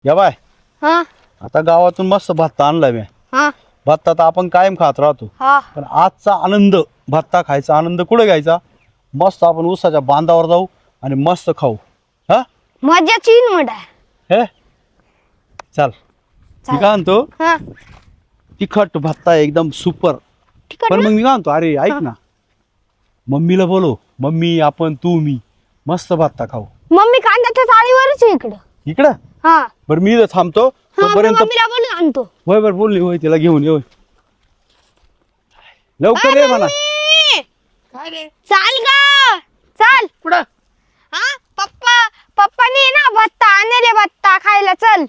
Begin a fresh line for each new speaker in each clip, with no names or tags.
या बाय
हा
आता गावातून मस्त भत्ता आणलाय मी.
हा
भत्ता तर आपण कायम खात राहतो,
हा
पण आजचा आनंद, भत्ता खायचा आनंद कुठे घ्यायचा? मस्त आपण उसाच्या बांधावर जाऊ आणि मस्त खाऊ. हा
मजाच येईल म्हणा.
हे चल मी काय म्हणतो,
हा
तिखट भत्ता एकदम सुपर.
तिखट
पण
ना?
मग मी काय म्हणतो, अरे ऐक ना, मम्मीला बोलो, मम्मी आपण तू मी मस्त भत्ता खाऊ
मम्मी कांद्याच्या चाळीवरच आहे इकडं.
इकडं.
हा
बरं मी इथं थांबतो
हा मी
तोपर्यंत.
मम्मीला बोलून आणतो.
होय बरं बोलली, होय तिला घेऊन ये, होय लवकर ये म्हणा.
मम्मी,
काय रे
चाल ग चल.
कुठं
हा पप्पानी ना भत्ता आणले, भत्ता खायला चल.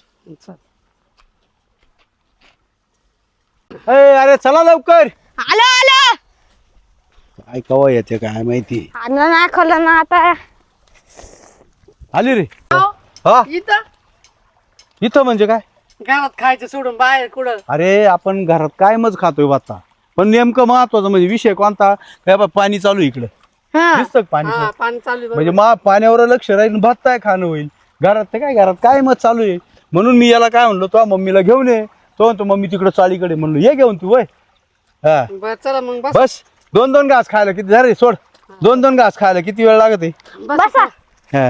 अरे चला लवकर.
आलो आलो.
काय कवा येते काय माहिती.
आणलं ना खाल्लं ना आता.
आली रे.
हो.
हा
इथं
इथं म्हणजे काय?
घरात खायचं सोडून बाहेर कुठं
अरे आपण घरात काय मज खातोय भत्ता, पण नेमकं महत्वाचं म्हणजे विषय कोणता? काय बा पाणी चालू आहे इकडं,
हा
दिसतं का पाणी?
हा पाणी चालू आहे
म्हणजे पाण्यावर लक्ष राहील, भत्ता खाणं होईल. घरात तर काय, घरात काय मत चालू आहे. म्हणून मी याला काय म्हणलो, तो मम्मीला घेऊन ये. तो म्हणतो मम्मी तिकडं चाळीकडे. म्हणलो ये घेऊन तू. वय हा
बरं चला मग बस
बस. 2-2 घास खायला किती झाले? सोड. 2-2 घास खायला किती वेळ लागत आहे?
बसा.
हा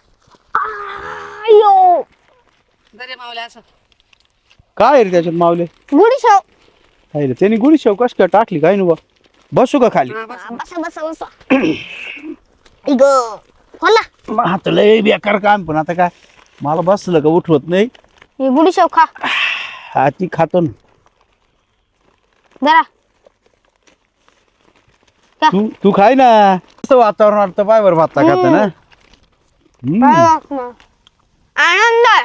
अयो
दरे मावले असं
काय रे त्याच्यात मावले?
गुडी शेव.
काय रे त्यांनी गुढी शेव कस काय टाकली काय नु? बसू का खाली?
हा, बस.
बसा बसा बसा. इग होला.
मग आता लय बेकार काम, पण आता काय मला बसलं का उठवत नाही.
ही गुडी शेव खा
हा ती खातो ना.
जरा.
तू खाय ना. मस्त वातावरण वाटतं पाय बरं भत्ता खाता ना.
काय वाटणार? आनंद आहे.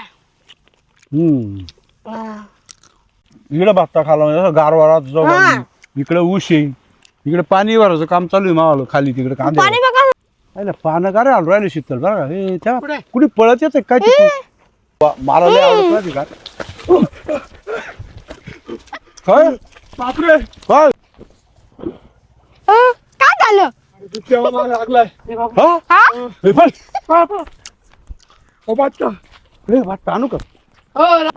इकडे भत्ता खाला म्हणजे असं गारवारात
हा.
जाऊ, इकडे ऊस येईल, इकडे पाणी भरायचं काम चालू आहे मावाला खाली तिकडे कांदे.
पाणी बघा.
आहे ना पानं का रे आलो राहिले शीतल बरं का? हे त्या
कुठे?
कुठे पळत येते काय तिथून? मला लय आवडत नाही का काय?
बापरे
काय?
काय झालं?
तेव्हा मला लागलाय
हा?
हा
हे बघ. हे भत्ता आणू का?
हो